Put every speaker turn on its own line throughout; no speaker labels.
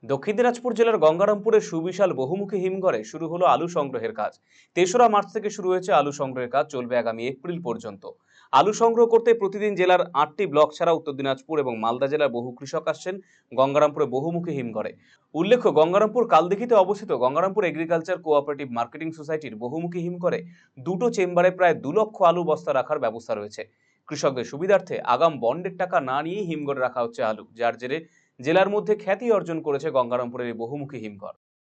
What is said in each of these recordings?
দক্ষিণ দিনাজপুর জেলার গঙ্গারামপুরের সুবিশাল বহুমুখী হিমঘরে শুরু হলো আলু সংগ্রহের কাজ। ৩রা মার্চ থেকে শুরু হয়েছে আলু সংগ্রহের কাজ, চলবে আগামী এপ্রিল পর্যন্ত। আলু সংগ্রহ করতে প্রতিদিন জেলার ৮টি ব্লক ছাড়া উত্তর দিনাজপুর এবং মালদা জেলার বহু কৃষক আসছেন গঙ্গারামপুরে বহুমুখী হিমঘরে। উল্লেখ্য, গঙ্গারামপুর কালদিঘিতে অবস্থিত গঙ্গারামপুর এগ্রিকালচার কোঅপারেটিভ মার্কেটিং সোসাইটির বহুমুখী হিমঘরে দুটো চেম্বারে প্রায় ২ লক্ষ আলু বস্তা রাখার ব্যবস্থা রয়েছে। কৃষকদের সুবিধার্থে আগাম বন্ডের টাকা না নিয়েই হিমঘরে রাখা হচ্ছে আলু, যার জেরে জেলার মধ্যে খ্যাতি অর্জন করেছে গঙ্গারামপুরের এই বহুমুখী হিমঘর।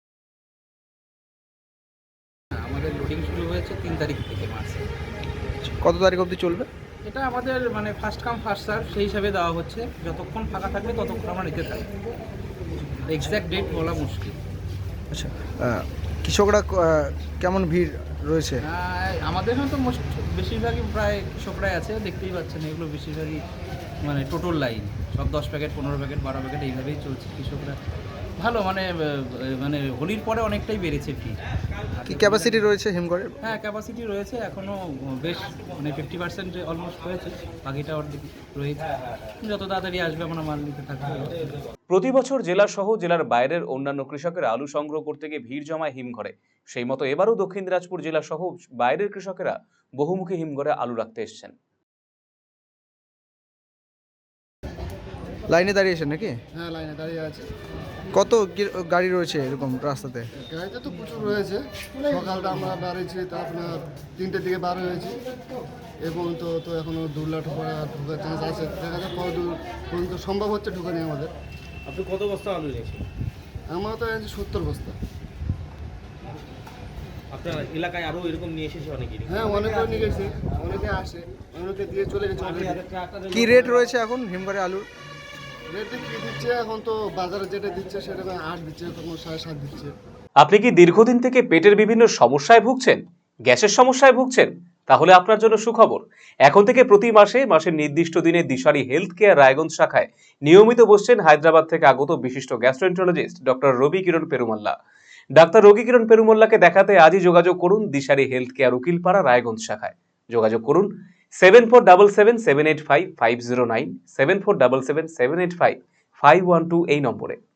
আমাদের লোডিং শুরু হয়েছে ৩ তারিখ থেকে মার্চে।
কত তারিখ অবধি চলবে?
এটা আমাদের ফার্স্ট কাম ফার্স্ট সার্ভ সেই হিসাবে দেওয়া হচ্ছে। যতক্ষণ ফাঁকা থাকবে ততক্ষণ আমরা নিতে থাকবো। এক্স্যাক্ট ডেট বলা মুশকিল।
আচ্ছা, কৃষকরা কেমন ভিড় রয়েছে?
আমাদের এখানে তো বেশিরভাগই প্রায় কৃষকরাই আছে, দেখতেই পাচ্ছেন। এগুলো বেশিরভাগই টোটাল লাইন, সব 10 প্যাকেট 15 প্যাকেট 12 প্যাকেট এইভাবেই চলছে। কৃষকরা ভালো, হোলির পরে অনেকটাই বেড়েছে ভিড়।
কি ক্যাপাসিটি রয়েছে হিমঘরের?
হ্যাঁ, ক্যাপাসিটি রয়েছে এখনও বেশ 50% অলমোস্ট হয়েছে, বাকিটা অর্ধেক রয়েছে। যত তাড়াতাড়ি আসবে আমরা মাল নিতে থাকবো।
প্রতি বছর জেলা সহ জেলার বাইরের অন্যান্য কৃষকেরা আলু সংগ্রহ করতে গিয়ে ভিড় জমায় হিমঘরে। সেই মতো এবারও দক্ষিণ দিনাজপুর জেলা সহ বাইরের কৃষকেরা বহুমুখী হিমঘরে আলু রাখতে এসছেন।
লাইনে দাঁড়িয়েছেন নাকি?
হ্যাঁ, লাইনে দাঁড়িয়ে আছে।
কত গাড়ি রয়েছে এরকম রাস্তাতে?
গাড়িতে তো প্রচুর রয়েছে। সকালটা আমরা বেরিয়েছি, তা আপনার 3টের দিকে বার হয়েছি এবং তো এখনও 2 লাখ ঢোকার চান্স আছে। দেখা যাক কত দূর পর্যন্ত সম্ভব হচ্ছে ঢোকানি আমাদের।
আপনি কত বস্তা আলু নিয়েছেন?
আমরা তো এনেছি 70 বস্তা।
আপনার এলাকায় আরও এরকম নিয়ে এসেছে অনেকেই?
হ্যাঁ, অনেকে নিয়ে গেছে, অনেকে আসে, অনেকে দিয়ে চলে গেছে।
কি রেট রয়েছে এখন হিমঘরে আলুর?
রেটে কী দিচ্ছে এখন তো বাজারে যেটা দিচ্ছে সেটা 8 দিচ্ছে, কোনো 7.5 দিচ্ছে।
আপনি কি দীর্ঘদিন থেকে পেটের বিভিন্ন সমস্যায় ভুগছেন, গ্যাসের সমস্যায় ভুগছেন? তাহলে আপনার জন্য সুখবর। এখন থেকে প্রতি মাসের নির্দিষ্ট দিনে দিশারি হেলথ কেয়ার রায়গঞ্জ শাখায় নিয়মিত বসছেন হায়দ্রাবাদ থেকে আগত বিশিষ্ট gastroenterologist doctor Ravi Kiran Perumalla. Doctor Ravi Kiran পেরুমাল্লাকে দেখাতে আজই যোগাযোগ করুন দিশারি হেলথ কেয়ার উকিলপাড়া রায়গঞ্জ শাখায়। যোগাযোগ করুন 7477785509, 7477785512 এই নম্বরে।